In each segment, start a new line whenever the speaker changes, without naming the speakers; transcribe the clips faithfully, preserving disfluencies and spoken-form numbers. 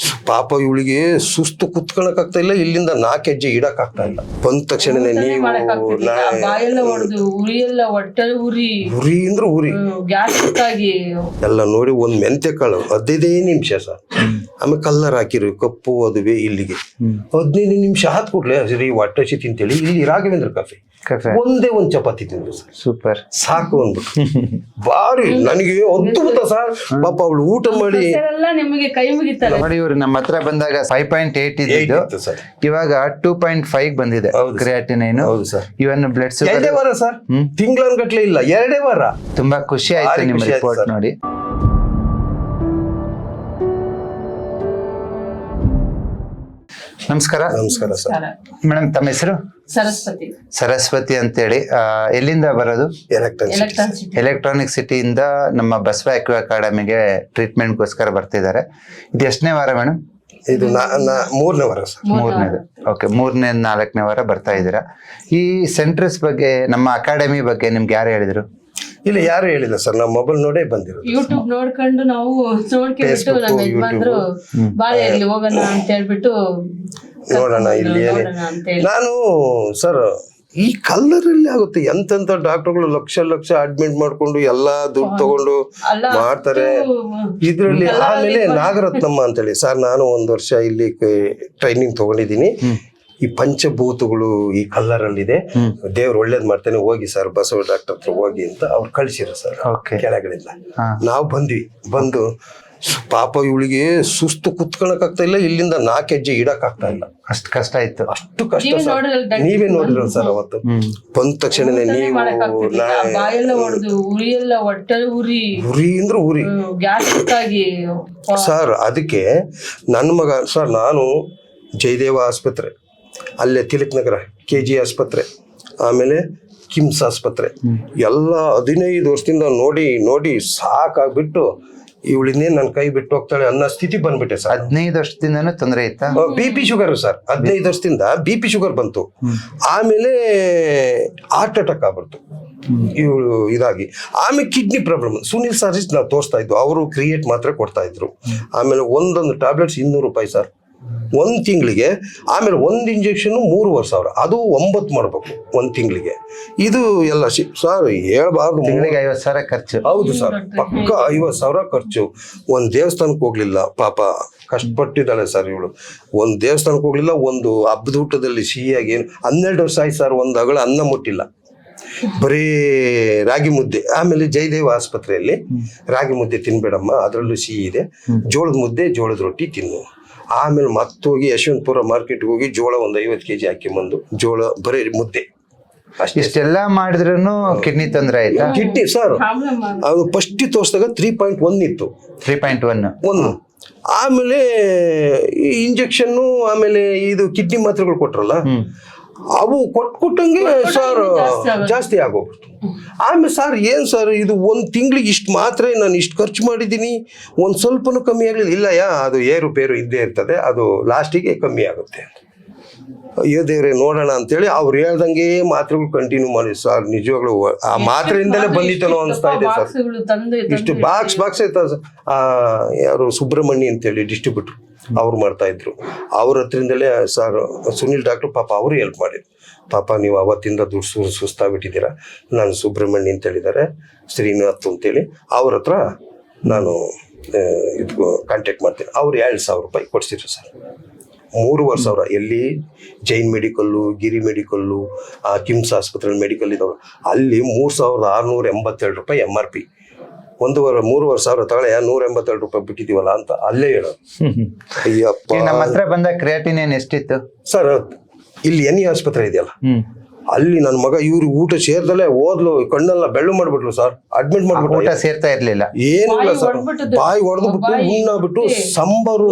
ಪಾಪ ಇವಳಿಗೆ ಸುಸ್ತು ಕುತ್ಕೊಳಕ್ ಆಗ್ತಾ ಇಲ್ಲ, ಇಲ್ಲಿಂದ ನಾಲ್ಕು ಹೆಜ್ಜೆ ಇಡಕ್ ಆಗ್ತಾ ಇಲ್ಲ. ಬಂದ ತಕ್ಷಣನೇ ನೀವು
ಉರಿ ಎಲ್ಲ ಹೊಟ್ಟೆ ಉರಿ
ಉರಿ ಅಂದ್ರೆ ಉರಿ
ಗ್ಯಾಸ್ಟ್ರಿಕ್ಕಾಗಿ
ಎಲ್ಲ ನೋಡಿ ಒಂದ್ ಮೆಂತೆ ಕಾಳು ಹದಿನೈದೇ ನಿಮಿಷ ಸರ್, ಆಮೇಲೆ ಕಲ್ಲರ್ ಹಾಕಿರು ಕಪ್ಪು ಅದುವೆ ಇಲ್ಲಿಗೆ ಹದಿನೈದು ನಿಮಿಷ ಹಾತ್ ಕೊಡ್ಲೆ ಸರಿ ಹೊಟ್ಟೆ ಹಸಿ ತಿಂತೇಳಿ ಇಲ್ಲಿ ರಾಘವೇಂದ್ರ ಕಾಫಿ ಒಂದೇ ಒಂದ್ ಚಪಾತಿ ತಿಂದ್ರು ಸರ್,
ಸೂಪರ್
ಸಾಕು ಅಂದ್ಬಿಟ್ಟು ಬಾರಿ ನನಗೆ ಅದ್ಭುತ ಸರ್. ಪಾಪ ಅವಳು ಊಟ ಮಾಡಿ
ನಿಮಗೆ ಕೈ ಮುಗಿತಾರೆ
ನೋಡಿ. ಇವ್ರು ನಮ್ಮ ಹತ್ರ ಬಂದಾಗ ಫೈವ್ ಪಾಯಿಂಟ್ ಏಟ್ ಇದ್ದು
ಸರ್,
ಇವಾಗ ಟೂ ಪಾಯಿಂಟ್ ಫೈವ್ ಬಂದಿದೆ ಕ್ರಿಯಾಟಿನೈನ್.
ಹೌದು ಸರ್.
ಇವನ್ ಬ್ಲಡ್
ಎರಡೇ ವಾರ ಸರ್, ತಿಂಗಳನ್ಗಟ್ಲೆ ಇಲ್ಲ, ಎರಡೇ ವಾರ.
ತುಂಬಾ ಖುಷಿ ಆಯ್ತು ನಿಮ್ಮ ರಿಪೋರ್ಟ್ ನೋಡಿ. ನಮಸ್ಕಾರ.
ನಮಸ್ಕಾರ ಸರ್.
ಮೇಡಮ್ ತಮ್ಮ ಹೆಸರು?
ಸರಸ್ವತಿ.
ಸರಸ್ವತಿ ಅಂತೇಳಿ. ಎಲ್ಲಿಂದ ಬರೋದು? ಎಲೆಕ್ಟ್ರಾನಿಕ್ ಸಿಟಿಯಿಂದ ನಮ್ಮ ಬಸವ ಅಕ್ವಾ ಅಕಾಡೆಮಿಗೆ ಟ್ರೀಟ್ಮೆಂಟ್ಗೋಸ್ಕರ ಬರ್ತಿದ್ದಾರೆ. ಇದು ಎಷ್ಟನೇ ವಾರ ಮೇಡಮ್?
ಇದು ಮೂರನೇ ವಾರ ಸರ್.
ಮೂರನೇದು. ಓಕೆ, ಮೂರನೇ ನಾಲ್ಕನೇ ವಾರ ಬರ್ತಾ ಇದ್ದೀರಾ. ಈ ಸೆಂಟರ್ಸ್ ಬಗ್ಗೆ, ನಮ್ಮ ಅಕಾಡೆಮಿ ಬಗ್ಗೆ ನಿಮ್ಗೆ ಯಾರು ಹೇಳಿದ್ರು?
ಇಲ್ಲ, ಯಾರು ಹೇಳಿಲ್ಲ ಸರ್, ನಾವು ಮೊಬೈಲ್ ನೋಡೇ ಬಂದಿರೋದು.
ಯೂಟ್ಯೂಬ್ ನೋಡ್ಕೊಂಡು ನಾವು ನೋಡ್ಕೊಂಡ್ಬಿಟ್ಟು ನಮ್ಮ ಯಜಮಾನ್ರು ಬಾಳೆ ಇಲ್ಲಿ ಹೋಗೋಣ ಅಂತ ಹೇಳ್ಬಿಟ್ಟು
ನೋಡೋಣ ಇಲ್ಲಿ ನಾನು ಸರ್ ಈ ಕಲ್ಲರಲ್ಲಿ ಆಗುತ್ತೆ. ಎಂತೆಂತ ಡಾಕ್ಟರ್ಗಳು ಲಕ್ಷ ಲಕ್ಷ ಅಡ್ಮಿಟ್ ಮಾಡ್ಕೊಂಡು ಎಲ್ಲಾ ದುಡ್ಡು ತಗೊಂಡು ಮಾಡ್ತಾರೆ ಇದ್ರಲ್ಲಿ. ಆಮೇಲೆ ನಾಗರತ್ನಮ್ಮ ಅಂತೇಳಿ ಸರ್, ನಾನು ಒಂದ್ ವರ್ಷ ಇಲ್ಲಿ ಟ್ರೈನಿಂಗ್ ತಗೊಂಡಿದ್ದೀನಿ. ಈ ಪಂಚಭೂತಗಳು ಈ ಕಲ್ಲರಲ್ಲಿದೆ, ದೇವ್ರು ಒಳ್ಳೇದ್ ಮಾಡ್ತಾನೆ, ಹೋಗಿ ಸರ್ ಬಸವ ಡಾಕ್ಟರ್ ಹತ್ರ ಹೋಗಿ ಅಂತ ಅವ್ರು ಕಳ್ಸಿರ ಸರ್ ಕೆಳಗಡೆಯಿಂದ. ನಾವು ಬಂದ್ವಿ. ಬಂದು ಪಾಪ ಇವಳಿಗೆ ಸುಸ್ತು ಕುತ್ಕೊಳಕ್ ಆಗ್ತಾ ಇಲ್ಲ, ಇಲ್ಲಿಂದ ನಾಲ್ಕು ಹೆಜ್ಜೆ ಇಡಕ್ ಆಗ್ತಾ ಇಲ್ಲ.
ಅಷ್ಟು ಕಷ್ಟ ಆಯ್ತು.
ಅಷ್ಟು ಕಷ್ಟ ಸರ್. ನೀವೇ ನೋಡಿರೋ ಸರ್ ಅವತ್ತು. ಬಂದ ತಕ್ಷಣನೇ ನೀವು
ಉರಿ ಎಲ್ಲ ಹೊಟ್ಟೆ ಉರಿ
ಉರಿ ಅಂದ್ರೆ ಉರಿ
ಗ್ಯಾಸ್ಟ್ರಿಕ್ಕಾಗಿ
ಸರ್. ಅದಕ್ಕೆ ನನ್ನ ಮಗ ಸರ್, ನಾನು ಜಯದೇವ ಆಸ್ಪತ್ರೆ, ಅಲ್ಲೇ ತಿಲಕ್ ನಗರ ಕೆ ಜಿ ಆಸ್ಪತ್ರೆ, ಆಮೇಲೆ ಕಿಮ್ಸ್ ಆಸ್ಪತ್ರೆ ಎಲ್ಲ ಹದಿನೈದು ವರ್ಷದಿಂದ ನೋಡಿ ನೋಡಿ ಸಾಕಾಗ್ಬಿಟ್ಟು ಇವಳಿನ್ನೇ ನನ್ನ ಕೈ ಬಿಟ್ಟು ಹೋಗ್ತಾಳೆ ಅನ್ನೋ ಸ್ಥಿತಿ ಬಂದ್ಬಿಟ್ಟೆ ಸರ್.
ಹದಿನೈದು ವರ್ಷದಿಂದನೂ ತೊಂದರೆ ಇತ್ತಾ?
ಬಿ ಪಿ ಶುಗರ್ ಸರ್, ಹದಿನೈದು ವರ್ಷದಿಂದ ಬಿ ಪಿ ಶುಗರ್ ಬಂತು. ಆಮೇಲೆ ಹಾರ್ಟ್ ಅಟ್ಯಾಕ್ ಆಗ್ಬಿಡ್ತು ಇವಳು ಇದಾಗಿ. ಆಮೇಲೆ ಕಿಡ್ನಿ ಪ್ರಾಬ್ಲಮ್. ಸುನಿಲ್ ಸರ್ಜಿಸ್ ನಾವು ತೋರಿಸ್ತಾ ಇದ್ವು, ಅವರು ಕ್ರಿಯೇಟ್ ಮಾತ್ರ ಕೊಡ್ತಾ ಇದ್ರು. ಆಮೇಲೆ ಒಂದೊಂದು ಟ್ಯಾಬ್ಲೆಟ್ಸ್ ಇನ್ನೂರು ರೂಪಾಯಿ ಸರ್ ಒಂದ್ ತಿಂಗಳಿಗೆ. ಆಮೇಲೆ ಒಂದ್ ಇಂಜೆಕ್ಷನ್ ಮೂರುವರೆ ಸಾವಿರ, ಅದು ಒಂಬತ್ತು ಮಾಡ್ಬೇಕು ಒಂದ್ ತಿಂಗಳಿಗೆ. ಇದು ಎಲ್ಲ ಸರ್ ಹೇಳ್ಬಾರ್ದು,
ತಿಂಗಳಿಗೆ ಐವತ್ತು ಸಾವಿರ ಖರ್ಚು.
ಹೌದು ಸರ್, ಪಕ್ಕ ಐವತ್ತು ಸಾವಿರ ಖರ್ಚು. ಒಂದ್ ದೇವಸ್ಥಾನಕ್ಕೆ ಹೋಗ್ಲಿಲ್ಲ ಪಾಪ, ಕಷ್ಟಪಟ್ಟಿದ್ದಾಳೆ ಸರ್ ಇವಳು. ಒಂದ್ ದೇವಸ್ಥಾನಕ್ಕೆ ಹೋಗ್ಲಿಲ್ಲ, ಒಂದು ಹಬ್ಬದ ಊಟದಲ್ಲಿ ಸಿಹಿಯಾಗಿ ಏನು ಹನ್ನೆರಡು ವರ್ಷ ಆಯ್ತು ಸರ್, ಒಂದು ಅಗಳ ಅನ್ನ ಮುಟ್ಟಿಲ್ಲ, ಬರೀ ರಾಗಿ ಮುದ್ದೆ. ಆಮೇಲೆ ಜಯದೇವ ಆಸ್ಪತ್ರೆಯಲ್ಲಿ ರಾಗಿ ಮುದ್ದೆ ತಿನ್ಬೇಡಮ್ಮ, ಅದರಲ್ಲೂ ಸಿಹಿ ಇದೆ, ಜೋಳದ ಮುದ್ದೆ ಜೋಳದ ರೊಟ್ಟಿ ತಿನ್ನು. ಆಮೇಲೆ ಮತ್ತೋಗಿ ಯಶವಂತಪುರ ಮಾರ್ಕೆಟ್ಗೆ ಹೋಗಿ ಜೋಳ ಒಂದು ಐವತ್ತು ಕೆಜಿ ಹಾಕಿ ಬಂದು ಜೋಳ ಬರೀ ಮುದ್ದೆ.
ಇಷ್ಟೆಲ್ಲ ಮಾಡಿದ್ರು ಕಿಡ್ನಿ ತೊಂದರೆ ಆಯ್ತಾ?
ಕಿಡ್ನಿ ಸರ್ ಅದು ಫಸ್ಟ್ ತೋರಿಸಿದಾಗ ತ್ರೀ ಪಾಯಿಂಟ್ ಒನ್ ಇತ್ತು.
ತ್ರೀ ಪಾಯಿಂಟ್ ಒನ್
ಒಂದು ಆಮೇಲೆ ಇಂಜೆಕ್ಷನ್, ಆಮೇಲೆ ಇದು ಕಿಡ್ನಿ ಮಾತ್ರೆಗಳು ಕೊಟ್ರಲ್ಲ, ಅವು ಕೊಟ್ಕೊಟ್ಟಂಗೆ ಸರ್ ಜಾಸ್ತಿ ಆಗೋಗ್ಬಿಡ್ತು. ಆಮೇಲೆ ಸರ್ ಏನ್ ಸರ್ ಇದು ಒಂದ್ ತಿಂಗಳಿಗೆ ಇಷ್ಟು ಮಾತ್ರ ನಾನು ಇಷ್ಟು ಖರ್ಚು ಮಾಡಿದ್ದೀನಿ, ಒಂದ್ ಸ್ವಲ್ಪನೂ ಕಮ್ಮಿ ಆಗ್ಲಿಲ್ಲ. ಇಲ್ಲ ಯಾ ಅದು ಏರುಪೇರು ಇದ್ದೇ ಇರ್ತದೆ, ಅದು ಲಾಸ್ಟಿಗೆ ಕಮ್ಮಿ ಆಗುತ್ತೆ. ಅಯ್ಯೋ ದೇವ್ರೆ ನೋಡೋಣ ಅಂತೇಳಿ ಅವ್ರು ಹೇಳ್ದಂಗೆ ಮಾತ್ರೆಗಳು ಕಂಟಿನ್ಯೂ ಮಾಡಿ ಸರ್. ನಿಜವಾಗ್ಲೂ ಆ ಮಾತ್ರೆಯಿಂದಲೇ ಬಂದಿತ್ತನೋ ಅನಿಸ್ತಾ ಇದೆ ಸರ್. ಇಷ್ಟು ಬಾಕ್ಸ್ ಬಾಕ್ಸ್ ಆಯ್ತಾ ಸರ್. ಆ ಯಾರು ಸುಬ್ರಹ್ಮಣ್ಯ ಅಂತೇಳಿ ಡಿಸ್ಟ್ರಿಬ್ಯೂಟ್ರು ಅವ್ರು ಮಾಡ್ತಾ ಇದ್ರು, ಅವ್ರ ಹತ್ರದಿಂದಲೇ ಸರ್ ಸುನಿಲ್ ಡಾಕ್ಟ್ರು ಪಾಪ ಅವರು ಹೆಲ್ಪ್ ಮಾಡಿದ್ರು. ಪಾಪ ನೀವು ಅವತ್ತಿಂದ ದುಡ್ಡು ಸು ಸುಸ್ತಾಗ್ಬಿಟ್ಟಿದ್ದೀರಾ, ನಾನು ಸುಬ್ರಹ್ಮಣ್ಯ ಅಂತ ಹೇಳಿದ್ದಾರೆ, ಶ್ರೀನಾಥ್ ಅಂತೇಳಿ ಅವ್ರ ಹತ್ರ ನಾನು ಇದು ಕಾಂಟ್ಯಾಕ್ಟ್ ಮಾಡ್ತೀನಿ. ಅವ್ರು ಎರಡು ಸಾವಿರ ರೂಪಾಯಿ ಕೊಡ್ಸಿದ್ರು ಸರ್. ಮೂರುವರೆ ಸಾವಿರ ಎಲ್ಲಿ ಜೈನ್ ಮೆಡಿಕಲ್ಲು, ಗಿರಿ ಮೆಡಿಕಲ್ಲು, ಆ ಕಿಮ್ಸ್ ಆಸ್ಪತ್ರೆ ಮೆಡಿಕಲ್ ಇದಾವೆ, ಅಲ್ಲಿ ಮೂರು ಸಾವಿರದ ಆರುನೂರ ಎಂಬತ್ತೆರಡು ರೂಪಾಯಿ ಎಮ್ ಆರ್ ಪಿ. ಒಂದೂವರೆ ಮೂರುವರೆ ಸಾವಿರ ತಗೊಳ್ಳಿ, ನೂರ ಎಂಬತ್ತೆರಡು ರೂಪಾಯಿ ಬಿಟ್ಟಿದೀವಲ್ಲ ಅಂತ ಅಲ್ಲೇ ಹೇಳೋದು. ಅಯ್ಯಪ್ಪ,
ನಮ್ಮ ಹತ್ರ ಬಂದ ಕ್ರಿಯಾಟಿನೈನ್ ಎಷ್ಟಿತ್ತು ಸರ್?
ಇಲ್ಲಿ ಎನ್ ಇ ಆಸ್ಪತ್ರೆ ಇದೆಯಲ್ಲ, ಅಲ್ಲಿ ನನ್ನ ಮಗ ಇವ್ರು ಊಟ ಸೇರ್ದಲ್ಲೇ ಓದ್ಲು, ಕಣ್ಣೆಲ್ಲ ಬೆಳ್ಳು ಮಾಡ್ಬಿಟ್ಲು ಸರ್. ಅಡ್ಮಿಟ್ ಮಾಡ್ಬಿಟ್ಟು ಊಟ
ಸೇರ್ತಾ ಇರ್ಲಿಲ್ಲ,
ಏನಿಲ್ಲ ಸರ್, ಬಾಯಿ ಹೊಡೆದ್ಬಿಟ್ಟು ಉಣ್ಣಾಗ್ಬಿಟ್ಟು ಸಂಬಾರು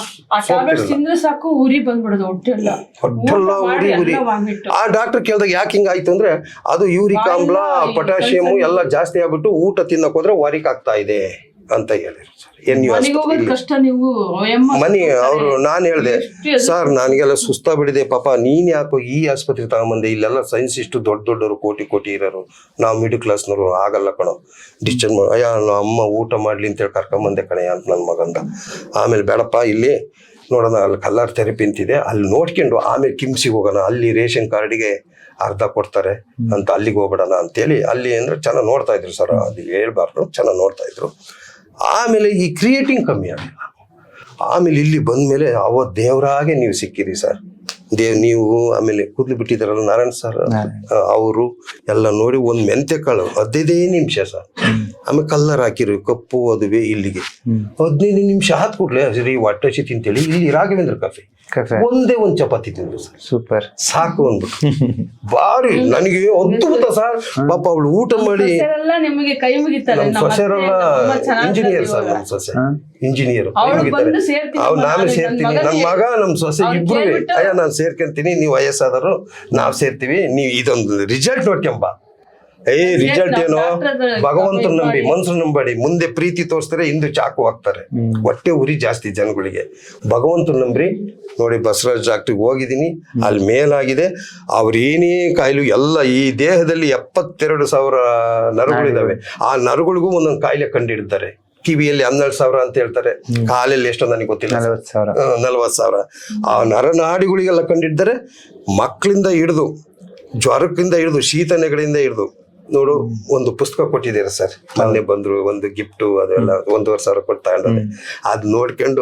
ಸಾಕು ಉರಿ ಬಂದ್ಬಿಡೋದು, ಹೊಟ್ಟೆಲ್ಲ
ಹೊಟ್ಟೆಲ್ಲ ಉರಿ ಉರಿ. ಆ ಡಾಕ್ಟರ್ ಕೇಳಿದಾಗ ಯಾಕೆ ಹಿಂಗ ಆಯ್ತು ಅಂದ್ರೆ, ಅದು ಯೂರಿಕ್ ಆಮ್ಲ, ಪೊಟ್ಯಾಷಿಯಮ್ ಎಲ್ಲ ಜಾಸ್ತಿ ಆಗ್ಬಿಟ್ಟು ಊಟ ತಿನ್ನಕ್ ಹೋದ್ರೆ ವಾರಿಕ್ ಆಗ್ತಾ ಇದೆ ಅಂತ ಹೇಳಿದ್ರು ಸರ್. ಎನ್ ಯು
ಮನೆಗೆ ಹೋಗೋದ್ ಕಷ್ಟ ನೀವು ಅಯ್ಯಮ್ಮ
ಮನಿ ಅವರು ನಾನು ಹೇಳಿದೆ ಸರ್ ನನಗೆಲ್ಲ ಸುಸ್ತಾ ಬಿಡಿದೆ ಪಾಪ ನೀನ್ ಯಾಕೋ ಈ ಆಸ್ಪತ್ರೆ ತಗೊಂಬಂದೆ, ಇಲ್ಲೆಲ್ಲ ಸೈನ್ಸ್ ಇಷ್ಟು ದೊಡ್ಡ ದೊಡ್ಡವರು ಕೋಟಿ ಕೋಟಿ ಇರೋರು, ನಾವು ಮಿಡಲ್ ಕ್ಲಾಸ್ನವರು ಆಗಲ್ಲ ಕಣೋ ಡಿಸ್ಚಾರ್ಜ್ ಮಾಡಿ. ಅಯ್ಯ ನಮ್ಮ ಅಮ್ಮ ಊಟ ಮಾಡ್ಲಿ ಅಂತೇಳಿ ಕರ್ಕೊಂಬಂದೆ ಕಣಯ್ಯ ಅಂತ ನನ್ನ ಮಗಂದ. ಆಮೇಲೆ ಬೇಡಪ್ಪ ಇಲ್ಲಿ ನೋಡೋಣ ಅಲ್ಲಿ ಕಲ್ಲರ್ ಥೆರಪಿ ಅಂತಿದೆ ಅಲ್ಲಿ ನೋಡ್ಕೊಂಡು ಆಮೇಲೆ ಕಿಮ್ಸಿಗೆ ಹೋಗೋಣ, ಅಲ್ಲಿ ರೇಷನ್ ಕಾರ್ಡಿಗೆ ಅರ್ಧ ಕೊಡ್ತಾರೆ ಅಂತ ಅಲ್ಲಿಗೆ ಹೋಗ್ಬಿಡೋಣ ಅಂತೇಳಿ ಅಲ್ಲಿ ಅಂದ್ರೆ ಚೆನ್ನಾಗಿ ನೋಡ್ತಾ ಇದ್ರು ಸರ್, ಅದು ಹೇಳ್ಬಾರ್ದು ಚೆನ್ನಾಗಿ ನೋಡ್ತಾ ಇದ್ರು. ಆಮೇಲೆ ಈ ಕ್ರಿಯೇಟಿಂಗ್ ಕಮ್ಮಿ ಆಗಿಲ್ಲ. ಆಮೇಲೆ ಇಲ್ಲಿ ಬಂದ್ಮೇಲೆ ಅವತ್ತು ದೇವರಾಗೆ ನೀವು ಸಿಕ್ಕಿರಿ ಸರ್, ದೇವ್ ನೀವು ಆಮೇಲೆ ಕೂದಲು ಬಿಟ್ಟಿದಾರಲ್ಲ ನಾರಾಯಣ್ ಸರ್ ಅವರು ಎಲ್ಲ ನೋಡಿ ಒಂದ್ ಮೆಂತೆ ಕಾಳು ಹದಿನೈದೇ ನಿಮಿಷ ಸರ್, ಆಮೇಲೆ ಕಲ್ಲರ್ ಹಾಕಿರು ಕಪ್ಪು ಅದುವೆ ಇಲ್ಲಿಗೆ ಹದಿನೈದು ನಿಮಿಷ ಹಾತ್ ಕೂಡ್ಲೆ ಸರಿ ಹೊಟ್ಟೆ ಹಸಿ ತಿಂತೇಳಿ ಇಲ್ಲಿ ರಾಘವೇಂದ್ರ ಕಾಫಿ ಒಂದೇ ಒಂದ್ ಚಪಾತಿ ತಿಂದ್ರು ಸರ್,
ಸೂಪರ್
ಸಾಕು ಒಂದು ಬಾರಿ ನನಗೆ ಅದ್ಭುತ ಸರ್. ಪಾಪ ಅವಳು ಊಟ ಮಾಡಿ
ಎಲ್ಲ ನಿಮಗೆ ಕೈ ಮುಗಿತಾರೆ.
ನಮ್ ಸೊಸೆರೆಲ್ಲ ಇಂಜಿನಿಯರ್ ಸರ್, ನಮ್ ಸೊಸೆ ಇಂಜಿನಿಯರ್ ಅವ್ರು ನಾನು ಸೇರ್ತೀನಿ, ನನ್ ಮಗ ನಮ್ ಸೊಸೆ ಇಬ್ರು ಅಯ್ಯ ನಾನ್ ಸೇರ್ಕೊಂತೀನಿ, ನೀವು ವಯಸ್ಸಾದರು ನಾವ್ ಸೇರ್ತೀವಿ, ನೀವು ಇದೊಂದು ರಿಸಲ್ಟ್ ನೋಡ್ಕೊಂಬ. ಏ ರಿಸಲ್ಟ್ ಏನೋ ಭಗವಂತನ ನಂಬಿ ಮನ್ಸು ನಂಬಡಿ, ಮುಂದೆ ಪ್ರೀತಿ ತೋರಿಸ್ತಾರೆ ಹಿಂದೆ ಚಾಕು ಹಾಕ್ತಾರೆ, ಹೊಟ್ಟೆ ಉರಿ ಜಾಸ್ತಿ ಜನಗಳಿಗೆ. ಭಗವಂತನ ನಂಬ್ರಿ ನೋಡಿ ಬಸವರಾಜ್ ಡಾಕ್ಟ್ರಿಗೆ ಹೋಗಿದ್ದೀನಿ, ಅಲ್ಲಿ ಮೇಲಾಗಿದೆ. ಅವ್ರೇನೇ ಕಾಯಿಲೆ ಎಲ್ಲ ಈ ದೇಹದಲ್ಲಿ ಎಪ್ಪತ್ತೆರಡು ಸಾವಿರ ನರಗಳಿದಾವೆ, ಆ ನರಗಳಿಗೂ ಒಂದೊಂದು ಕಾಯಿಲೆ ಕಂಡಿಡ್ತಾರೆ. ಕಿವಿಯಲ್ಲಿ ಹನ್ನೆರಡು ಸಾವಿರ ಅಂತ ಹೇಳ್ತಾರೆ, ಕಾಲಲ್ಲಿ ಎಷ್ಟೋ ನನಗೆ ಗೊತ್ತಿಲ್ಲ,
ನಲವತ್ತು ಸಾವಿರ
ನಲ್ವತ್ತು ಸಾವಿರ ಆ ನರನಾಡಿಗಳಿಗೆಲ್ಲ ಕಂಡಿಡ್ತಾರೆ. ಮಕ್ಕಳಿಂದ ಹಿಡಿದು ಜ್ವರಕ್ಕಿಂದ ಹಿಡಿದು ಶೀತ ನೆಗಡಿಯಿಂದ ಹಿಡಿದು ನೋಡು ಒಂದು ಪುಸ್ತಕ ಕೊಟ್ಟಿದ್ದೀರಾ ಸರ್, ಮೊನ್ನೆ ಬಂದ್ರು ಒಂದು ಗಿಫ್ಟ್ ಅದೆಲ್ಲ ಒಂದೂವರೆ ಸಾವಿರ ಕೊಟ್ಟು ತಗೊಂಡ್ರೆ ಅದ್ ನೋಡ್ಕೊಂಡು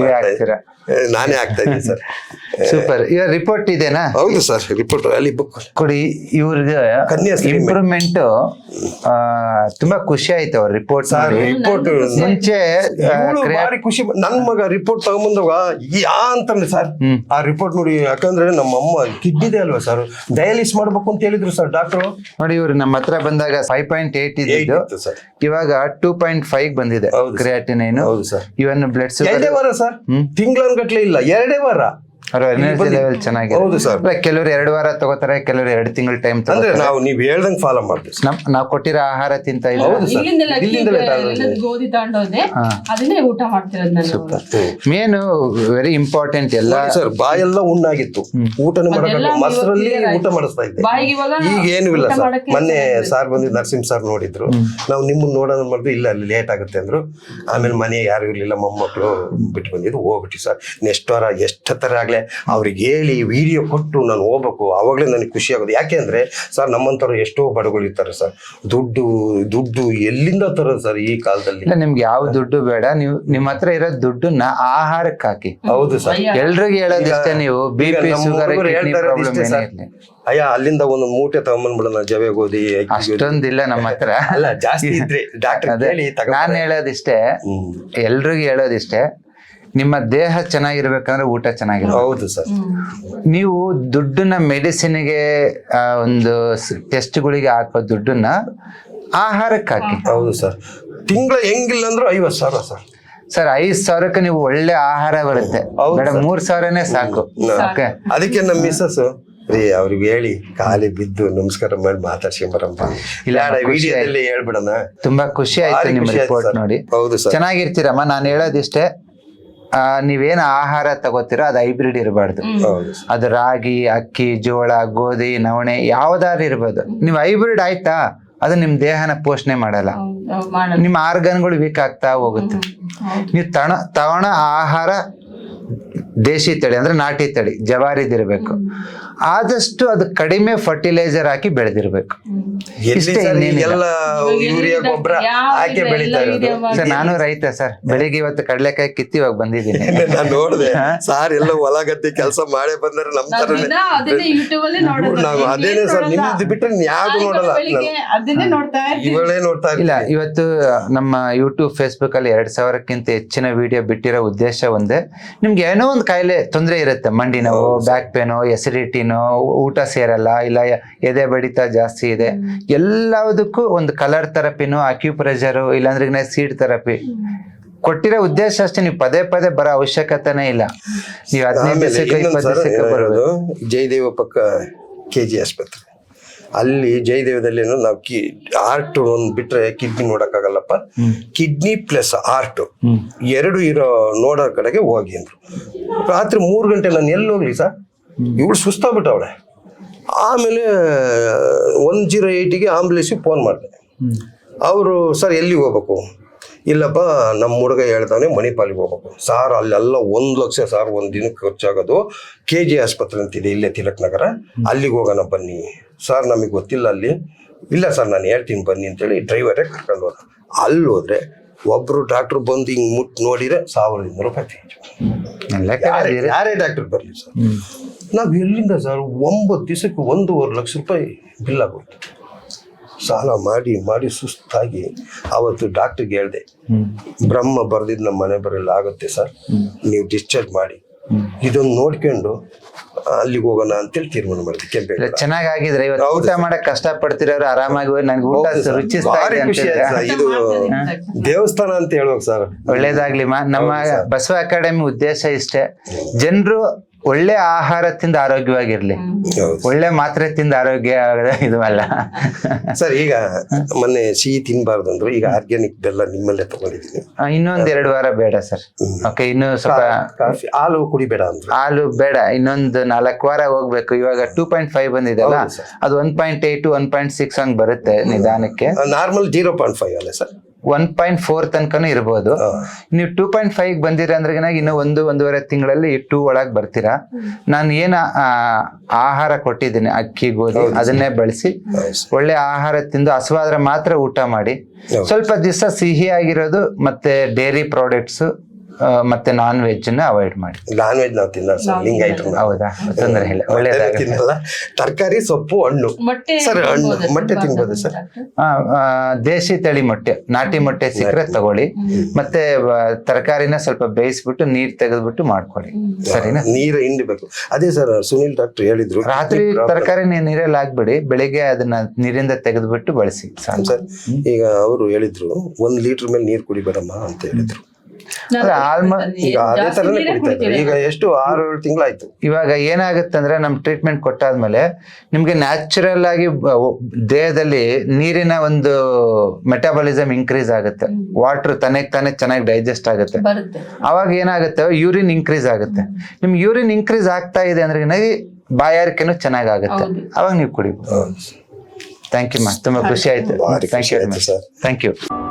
ನಾನೇ ಆಗ್ತಾ ಇದ್ದೀನಿ ಸರ್.
ಸೂಪರ್. ಈಗ ರಿಪೋರ್ಟ್ ಇದೆನಾ?
ಹೌದು ಸರ್, ರಿಪೋರ್ಟ್ ಅಲ್ಲಿ ಬುಕ್
ಕೊಡಿ. ಇವ್ರಿಗೆ ಇಂಪ್ರೂವ್ಮೆಂಟ್ ತುಂಬಾ ಖುಷಿ ಆಯ್ತು ಅವ್ರ ರಿಪೋರ್ಟ್
ರಿಪೋರ್ಟ್
ಮುಂಚೆ
ಭಾರಿ ಖುಷಿ. ನನ್ ಮಗ ರಿಪೋರ್ಟ್ ತಗೊಂಬಂದಾಗ ಯಾ ಅಂತಂದ್ರೆ ಸರ್ ಆ ರಿಪೋರ್ಟ್ ನೋಡಿ, ಯಾಕಂದ್ರೆ ನಮ್ಮ ಅಮ್ಮ ಕಿಡ್ನಿದೆ ಅಲ್ವಾ ಸರ್, ಡಯಾಲಿಸ್ ಮಾಡ್ಬೇಕು ಅಂತ ಹೇಳಿದ್ರು ಸರ್ ಡಾಕ್ಟರ್.
ನೋಡಿ ಇವ್ರು ನಮ್ಮ ಹತ್ರ ಬಂದಾಗ ಫೈವ್ ಪಾಯಿಂಟ್ ಏಟ್ ಇದ್ದು
ಸರ್
ಇವಾಗ ಟೂ ಪಾಯಿಂಟ್ ಫೈವ್ ಬಂದಿದೆ ಕ್ರಿಯಾಟಿನೈನ್.
ಹೌದು ಸರ್.
ಇವನ್ ಬ್ಲಡ್
ಎರಡೇ ವಾರ ಸರ್, ತಿಂಗಳನ್ಗಟ್ಲೆ ಇಲ್ಲ, ಎರಡೇ ವಾರ.
ಅವ್ರ ಎನರ್ಜಿ ಲೆವೆಲ್ ಚೆನ್ನಾಗಿದೆ.
ಹೌದು ಸರ್.
ಕೆಲವರು ಎರಡು ವಾರ ತಗೋತಾರೆ, ಕೆಲವರು ಎರಡು ತಿಂಗಳ ಟೈಮ್
ಅಂದ್ರೆ ನಾವು ನೀವ್ ಹೇಳ್ದಂಗ್ ಫಾಲೋ ಮಾಡ್ತೀವಿ.
ನಮ್ ನಾವ್ ಕೊಟ್ಟಿರೋ ಆಹಾರ ತಿಂತ ಇಲ್ಲ.
ಗೋಧಿ ತಗೊಂಡೋದೆ ಅದನ್ನೇ ಊಟ ಮಾಡ್ತಿರೋದು ನಾನು.
ಮೇನ್ ವೆರಿ ಇಂಪಾರ್ಟೆಂಟ್ ಎಲ್ಲ
ಸರ್, ಬಾಯೆಲ್ಲ ಉಣ್ಣಾಗಿತ್ತು, ಊಟನೇ ಮಾಡಲ್ಲ, ಮೊಸರಲ್ಲಿ ಊಟ ಮಾಡಿಸ್ತಾ ಇದ್ದೆ. ಈಗ ಏನು ಇಲ್ಲ ಸರ್. ಮೊನ್ನೆ ಸಾರ್ ಬಂದಿದ್ದು ನರಸಿಂಹ ಸಾರ್ ನೋಡಿದ್ರು, ನಾವು ನಿಮ್ಮನ್ನ ನೋಡೋಣ ಮಾಡಿದ್ರು, ಇಲ್ಲ ಅಲ್ಲಿ ಲೇಟ್ ಆಗುತ್ತೆ ಅಂದ್ರು. ಆಮೇಲೆ ಮನೆ ಯಾರು ಇರ್ಲಿಲ್ಲ, ಮೊಮ್ಮಕ್ಕಳು ಬಿಟ್ಟು ಬಂದಿದ್ರು, ಹೋಗ್ಬಿಟ್ಟು ಸರ್ ನೆಕ್ಸ್ಟ್ ವಾರ ಎಷ್ಟತ್ತರ ಆಗ್ಲೇ ಅವ್ರಿಗೆ ಹೇಳಿ ವಿಡಿಯೋ ಕೊಟ್ಟು ನಾನು ಹೋಗ್ಬೇಕು, ಅವಾಗಲೇ ನನಗೆ ಖುಷಿ ಆಗೋದು. ಯಾಕೆ ಅಂದ್ರೆ ಸರ್ ನಮ್ಮಂತವ್ರು ಎಷ್ಟೋ ಬಡಗಳು ಇರ್ತಾರೆ ಸರ್, ದುಡ್ಡು ದುಡ್ಡು ಎಲ್ಲಿಂದ ತರೋದು ಸರ್ ಈ ಕಾಲದಲ್ಲಿ?
ನಿಮ್ಗೆ ಯಾವ ದುಡ್ಡು ಬೇಡ, ನೀವು ನಿಮ್ಮ ಹತ್ರ ಇರೋ ದುಡ್ಡನ್ನ ಆಹಾರಕ್ಕೆ ಹಾಕಿ.
ಹೌದು ಸರ್.
ಎಲ್ರಿಗೂ ಹೇಳೋದಿಷ್ಟೇ, ನೀವು ಬಿ ಪಿ ಶುಗರ್
ಅಯ್ಯ ಅಲ್ಲಿಂದ ಒಂದು ಮೂಟೆ ತಗೊಂಡ್ಬಿಡೋಣ ಜವೆ ಗೋಧಿ.
ಅಷ್ಟೊಂದಿಲ್ಲ ನಮ್ಮ ಹತ್ರ,
ಅಲ್ಲ ಜಾಸ್ತಿ ಇದ್ರೆ ಡಾಕ್ಟರ್
ನಾನು ಹೇಳೋದಿಷ್ಟೇ, ಎಲ್ರಿಗೂ ಹೇಳೋದಿಷ್ಟೇ, ನಿಮ್ಮ ದೇಹ ಚೆನ್ನಾಗಿರ್ಬೇಕಂದ್ರೆ ಊಟ ಚೆನ್ನಾಗಿರ್ಬೇಕು.
ಹೌದು ಸರ್.
ನೀವು ದುಡ್ಡನ್ನ ಮೆಡಿಸಿನ್ಗೆ ಒಂದು ಟೆಸ್ಟ್ಗಳಿಗೆ ಹಾಕೋ ದುಡ್ಡನ್ನ ಆಹಾರಕ್ಕೆ ಹಾಕಿ.
ಹೌದು ಸರ್. ತಿಂಗಳ ಹೆಂಗಿಲ್ಲ ಅಂದ್ರೆ ಐವತ್ತು ಸಾವಿರ ಸರ್.
ಸರ್ ಐದ್ ಸಾವಿರಕ್ಕೆ ನೀವು ಒಳ್ಳೆ ಆಹಾರ ಬರುತ್ತೆ, ಮೇಡಮ್ ಮೂರ್ ಸಾವಿರನೇ ಸಾಕು.
ಅದಕ್ಕೆ ನಮ್ಮ ಮಿಸ್ಸಸ್ ರೀ ಅವ್ರಿಗೆ ಹೇಳಿ ಖಾಲಿ ಬಿದ್ದು ನಮಸ್ಕಾರ ಮಾಡಿ ಮಾತಾಡ್ಸ್ಕೊಂಬರಪ್ಪ, ಇಲ್ಲ ವಿಡಿಯೋದಲ್ಲಿ ಹೇಳ್ಬಿಡೋಣ.
ತುಂಬಾ ಖುಷಿ ಆಯ್ತು ನಿಮ್ಮ ರಿಪೋರ್ಟ್ ನೋಡಿ.
ಹೌದು ಸರ್.
ಚೆನ್ನಾಗಿರ್ತೀರಮ್ಮ. ನಾನು ಹೇಳೋದಿಷ್ಟೇ, ಆ ನೀವೇನು ಆಹಾರ ತಗೋತೀರೋ ಅದು ಹೈಬ್ರಿಡ್ ಇರಬಾರ್ದು. ಅದು ರಾಗಿ, ಅಕ್ಕಿ, ಜೋಳ, ಗೋಧಿ, ನವಣೆ ಯಾವ್ದಾದ್ರು ಇರ್ಬೋದು. ನೀವು ಹೈಬ್ರಿಡ್ ಆಯ್ತಾ, ಅದು ನಿಮ್ ದೇಹನ ಪೋಷಣೆ ಮಾಡಲ್ಲ, ನಿಮ್ಮ ಆರ್ಗನ್ಗಳು ವೀಕ್ ಆಗ್ತಾ ಹೋಗುತ್ತೆ. ನೀವು ತಣ ತವಣ ಆಹಾರ ದೇಶಿ ತಳಿ ಅಂದ್ರೆ ನಾಟಿ ತಳಿ ಜವಾರಿದಿರ್ಬೇಕು. ಆದಷ್ಟು ಅದು ಕಡಿಮೆ ಫರ್ಟಿಲೈಸರ್ ಹಾಕಿ ಬೆಳೆದಿರ್ಬೇಕು. ಸರ್ ನಾನು ರೈತ ಸರ್, ಬೆಳಿಗ್ಗೆ ಇವತ್ತು ಕಡಲೆಕಾಯಿ ಕಿತ್ತಿ ಇವಾಗ ಬಂದಿದ್ದೀನಿ.
ನಾನು ನೋಡಿದೆ ಸಾರ್ ಎಲ್ಲ ಹೊಲ ಗದ್ದೆ ಕೆಲಸ ಮಾಡೇ ಬಂದ್ರೆ ನಮ್ ತರ ನಾವು ಅದೇನೆ ಸರ್, ನಿಮ್ದು ಬಿಟ್ಟರೆ ಯಾವ್ದು ನೋಡಲ್ಲ, ಇವಳೇ ನೋಡ್ತಾ
ಇಲ್ಲ. ಇವತ್ತು ನಮ್ಮ ಯೂಟ್ಯೂಬ್ ಫೇಸ್ಬುಕ್ ಅಲ್ಲಿ ಎರಡ್ ಸಾವಿರಕ್ಕಿಂತ ಹೆಚ್ಚಿನ ವಿಡಿಯೋ ಬಿಟ್ಟಿರೋ ಉದ್ದೇಶ ಒಂದೇ, ನಿಮ್ಗೆ ಏನೋ ಒಂದು ಕಾಯಿಲೆ ತೊಂದರೆ ಇರುತ್ತೆ, ಮಂಡಿ ನೋವು, ಬ್ಯಾಕ್ ಪೇನು, ಎಸಿಡಿಟಿನೋ, ಊಟ ಸೇರಲ್ಲ, ಇಲ್ಲ ಎದೆ ಬಡಿತ ಜಾಸ್ತಿ ಇದೆ, ಎಲ್ಲದಕ್ಕೂ ಒಂದು ಕಲರ್ ಥೆರಪಿನೋ, ಅಕ್ಯುಪ್ರೆಷರು, ಇಲ್ಲಾಂದ್ರೆ ಸೀಡ್ ಥೆರಪಿ ಕೊಟ್ಟಿರೋ ಉದ್ದೇಶ ಅಷ್ಟೇ. ನೀವು ಪದೇ ಪದೇ ಬರೋ ಅವಶ್ಯಕತೆನೇ ಇಲ್ಲ. ನೀವು ಹದಿನೈದು ದಿವಸಕ್ಕೆ ಇಪ್ಪತ್ತು ದಿವಸಕ್ಕೆ ಬರೋದು.
ಜಯದೇವ ಪಕ್ಕ ಕೆ ಜಿ ಆಸ್ಪತ್ರೆ ಅಲ್ಲಿ ಜಯದೇವದಲ್ಲಿ ನಾವು ಕಿ ಆರ್ಟ್ ಒಂದು ಬಿಟ್ರೆ ಕಿಡ್ನಿ ನೋಡಕ್ಕಾಗಲ್ಲಪ್ಪ, ಕಿಡ್ನಿ ಪ್ಲಸ್ ಆರ್ಟ್ ಎರಡು ಇರೋ ನೋಡೋ ಕಡೆಗೆ ಹೋಗಿ ಅಂದ್ರು. ರಾತ್ರಿ ಮೂರು ಗಂಟೆ ನಾನು ಎಲ್ಲಿ ಹೋಗ್ಲಿ ಸರ್, ಇವಳು ಸುಸ್ತಾಗ್ಬಿಟ್ಟವಳೆ. ಆಮೇಲೆ ಒನ್ ಜೀರೋ ಏಯ್ಟಿಗೆ ಆಂಬುಲೆನ್ಸಿಗೆ ಫೋನ್ ಮಾಡಿದೆ. ಅವರು ಸರ್ ಎಲ್ಲಿಗೆ ಹೋಗ್ಬೇಕು? ಇಲ್ಲಪ್ಪ ನಮ್ಮ ಹುಡುಗ ಹೇಳ್ತಾನೆ ಮಣಿಪಾಲಿಗೆ ಹೋಗ್ಬೇಕು. ಸಾರ್ ಅಲ್ಲೆಲ್ಲ ಒಂದು ಲಕ್ಷ ಸಾರ್ ಒಂದು ದಿನಕ್ಕೆ ಖರ್ಚಾಗೋದು. ಕೆ ಜಿ ಆಸ್ಪತ್ರೆ ಅಂತಿದೆ ಇಲ್ಲೇ ತಿಲಕ್ ನಗರ, ಅಲ್ಲಿಗೆ ಹೋಗೋಣ ಬನ್ನಿ. ಸರ್ ನಮಗೆ ಗೊತ್ತಿಲ್ಲ ಅಲ್ಲಿ. ಇಲ್ಲ ಸರ್ ನಾನು ಹೇಳ್ತೀನಿ ಬನ್ನಿ ಅಂತೇಳಿ ಡ್ರೈವರೇ ಕರ್ಕೊಂಡು ಹೋದ. ಅಲ್ಲಿ ಹೋದ್ರೆ ಒಬ್ರು ಡಾಕ್ಟ್ರು ಬಂದು ಹಿಂಗೆ ಮುಟ್ಟು ನೋಡಿದ್ರೆ ಸಾವಿರದ ಇನ್ನೂರು ರೂಪಾಯಿ ಫೀಸ್. ಯಾರೇ ಯಾರೇ ಡಾಕ್ಟರ್ ಬರಲಿ ಸರ್, ನಾವು ಎಲ್ಲಿಂದ ಸರ್ ಒಂಬತ್ತು ದಿವಸಕ್ಕೆ ಒಂದೂವರೆ ಲಕ್ಷ ರೂಪಾಯಿ ಬಿಲ್ ಆಗುತ್ತೆ. ಸಾಲ ಮಾಡಿ ಮಾಡಿ ಸುಸ್ತಾಗಿ ಅವತ್ತು ಡಾಕ್ಟ್ರಿಗೆ ಹೇಳಿದೆ, ಬ್ರಹ್ಮ ಬರ್ದಿದ್ದು ನಮ್ಮ ಮನೆ ಬರಲ್ಲ ಆಗುತ್ತೆ ಸರ್, ನೀವು ಡಿಸ್ಚಾರ್ಜ್ ಮಾಡಿ, ಇದೊಂದು ನೋಡ್ಕೊಂಡು ಅಲ್ಲಿಗೆ ಹೋಗೋಣ ಅಂತೇಳಿ ತೀರ್ಮಾನ ಮಾಡಿದ್ವಿ. ಕೆಂಪೇಗೌಡ
ಚೆನ್ನಾಗಿದ್ರೆ ಇವತ್ತು ಊಟ ಮಾಡಕ್ ಕಷ್ಟ ಪಡ್ತಿರೋರು ಆರಾಮಾಗಿ ಹೋಗಿ ನನ್ಗೆ ಊಟ ರುಚಿಸ್ತಾ
ಭಾರಿ
ಇದೆ
ಖುಷಿ ಆಯ್ತು ಸರ್. ಇದು ದೇವಸ್ಥಾನ ಅಂತ ಹೇಳ್ಬೇಕು ಸರ್.
ಒಳ್ಳೇದಾಗ್ಲಿ ಮಾ. ನಮ್ಮ ಬಸವ ಅಕಾಡೆಮಿ ಉದ್ದೇಶ ಇಷ್ಟೇ, ಜನರು ಒಳ್ಳೆ ಆಹಾರ ತಿಂದು ಆರೋಗ್ಯವಾಗಿರ್ಲಿ, ಒಳ್ಳೆ ಮಾತ್ರೆ ತಿಂದು ಆರೋಗ್ಯ ಇದು ಅಲ್ಲ
ಸರ್. ಈಗ ಮೊನ್ನೆ ಸಿಹಿ ತಿನ್ಬಾರ್ದು ಅಂದ್ರು, ಈಗ ಆರ್ಗ್ಯಾನಿಕ್ ಬೆಲ್ಲ ನಿಮ್ಮಲ್ಲೇ ತಗೊಂಡಿದ್ದೀನಿ.
ಇನ್ನೊಂದ್ ಎರಡು ವಾರ ಬೇಡ ಸರ್. ಓಕೆ, ಇನ್ನು ಸ್ವಲ್ಪ
ಕಾಫಿ ಹಾಲು ಕುಡಿಬೇಡ ಅಂದ್ರು.
ಹಾಲು ಬೇಡ, ಇನ್ನೊಂದು ನಾಲ್ಕು ವಾರ ಹೋಗ್ಬೇಕು. ಇವಾಗ ಟೂ ಪಾಯಿಂಟ್ ಫೈವ್ ಬಂದಿದೆಲ್ಲ, ಅದು one point eight one point six ಹಂಗ್ ಬರುತ್ತೆ ನಿಧಾನಕ್ಕೆ.
ನಾರ್ಮಲ್ ಜೀರೋ ಪಾಯಿಂಟ್ ಫೈವ್ ಅಲ್ಲ ಸರ್,
ಒನ್ ಪಾಯಿಂಟ್ ಫೋರ್ ತನಕನೂ ಇರ್ಬೋದು. ನೀವು ಟೂ ಪಾಯಿಂಟ್ ಫೈವ್ ಬಂದಿರ ಅಂದ್ರೆ ಇನ್ನು ಒಂದು ಒಂದೂವರೆ ತಿಂಗಳಲ್ಲಿ ಟೂ ಒಳಗೆ ಬರ್ತೀರಾ. ನಾನು ಏನ ಆಹಾರ ಕೊಟ್ಟಿದ್ದೀನಿ, ಅಕ್ಕಿ ಗೋಧಿ ಅದನ್ನೇ ಬಳಸಿ ಒಳ್ಳೆ ಆಹಾರ ತಿಂದು ಹಸುವಾದ್ರೆ ಮಾತ್ರ ಊಟ ಮಾಡಿ. ಸ್ವಲ್ಪ ದಿವಸ ಸಿಹಿ ಆಗಿರೋದು ಮತ್ತೆ ಡೈರಿ ಪ್ರಾಡಕ್ಟ್ಸ್ ಮತ್ತೆ ನಾನ್ ವೆಜ್ ನ ಅವಾಯ್ಡ್ ಮಾಡಿ.
ನಾನ್ ವೆಜ್ ನಾವು ತಿನ್ನಲ್ಲ ಸರ್, ಲಿಂಗಾಯತರು.
ಹೌದಾ? ತೊಂದರೆ ಇಲ್ಲ, ಒಳ್ಳೇದಾಗುತ್ತೆ.
ತಿನ್ನಲ್ಲ. ತರಕಾರಿ, ಸೊಪ್ಪು, ಹಣ್ಣು ಸರ್. ಹಣ್ಣು ಮೊಟ್ಟೆ ತಿನ್ಬೋದು ಸರ್.
ದೇಶಿ ತಳಿ ಮೊಟ್ಟೆ, ನಾಟಿ ಮೊಟ್ಟೆ ಸಿಕ್ಕರೆ ತಗೊಳ್ಳಿ. ಮತ್ತೆ ತರಕಾರಿನ ಸ್ವಲ್ಪ ಬೇಯಿಸ್ಬಿಟ್ಟು ನೀರ್ ತೆಗೆದ್ಬಿಟ್ಟು ಮಾಡ್ಕೊಳ್ಳಿ, ಸರಿನಾ?
ನೀರು ಹಿಂಡಬೇಕು. ಅದೇ ಸರ್ ಸುನಿಲ್ ಡಾಕ್ಟರ್ ಹೇಳಿದ್ರು,
ರಾತ್ರಿ ತರಕಾರಿ ನೀರಲ್ಲಿ ಹಾಕ್ಬಿಡಿ, ಬೆಳಿಗ್ಗೆ ಅದನ್ನ ನೀರಿಂದ ತೆಗೆದ್ಬಿಟ್ಟು ಬಳಸಿ
ಸರ್. ಈಗ ಅವರು ಹೇಳಿದ್ರು ಒಂದ್ ಲೀಟರ್ ಮೇಲೆ ನೀರ್ ಕುಡಿಬೇಡಮ್ಮ ಅಂತ ಹೇಳಿದ್ರು. ಈಗ ಅದೇ ತರನೇ ಕುಡಿತಾ ಇದ್ದಾರೆ. ಈಗ ಎಷ್ಟು ಆರು ಏಳು ತಿಂಗಳಾಯ್ತು.
ಇವಾಗ ಏನಾಗುತ್ತೆ ಅಂದ್ರೆ ನಮ್ ಟ್ರೀಟ್ಮೆಂಟ್ ಕೊಟ್ಟಾದ್ಮೇಲೆ ನಿಮ್ಗೆ ನ್ಯಾಚುರಲ್ ಆಗಿ ದೇಹದಲ್ಲಿ ನೀರಿನ ಒಂದು ಮೆಟಾಬಾಲಿಸಮ್ ಇನ್ಕ್ರೀಸ್ ಆಗುತ್ತೆ, ವಾಟರ್ ತನಗ್ ತಾನೇ ಚೆನ್ನಾಗಿ ಡೈಜೆಸ್ಟ್ ಆಗುತ್ತೆ. ಅವಾಗ ಏನಾಗುತ್ತೆ, ಯೂರಿನ್ ಇನ್ಕ್ರೀಸ್ ಆಗುತ್ತೆ. ನಿಮ್ ಯೂರಿನ್ ಇನ್ಕ್ರೀಸ್ ಆಗ್ತಾ ಇದೆ ಅಂದ್ರೆ ಬಾಯಾರಿಕೆನೂ ಚೆನ್ನಾಗಾಗುತ್ತೆ, ಅವಾಗ ನೀವು ಕುಡಿಬೋದು. ಥ್ಯಾಂಕ್ ಯು ಮಾ, ತುಂಬಾ ಖುಷಿ ಆಯ್ತು. Thank you thank you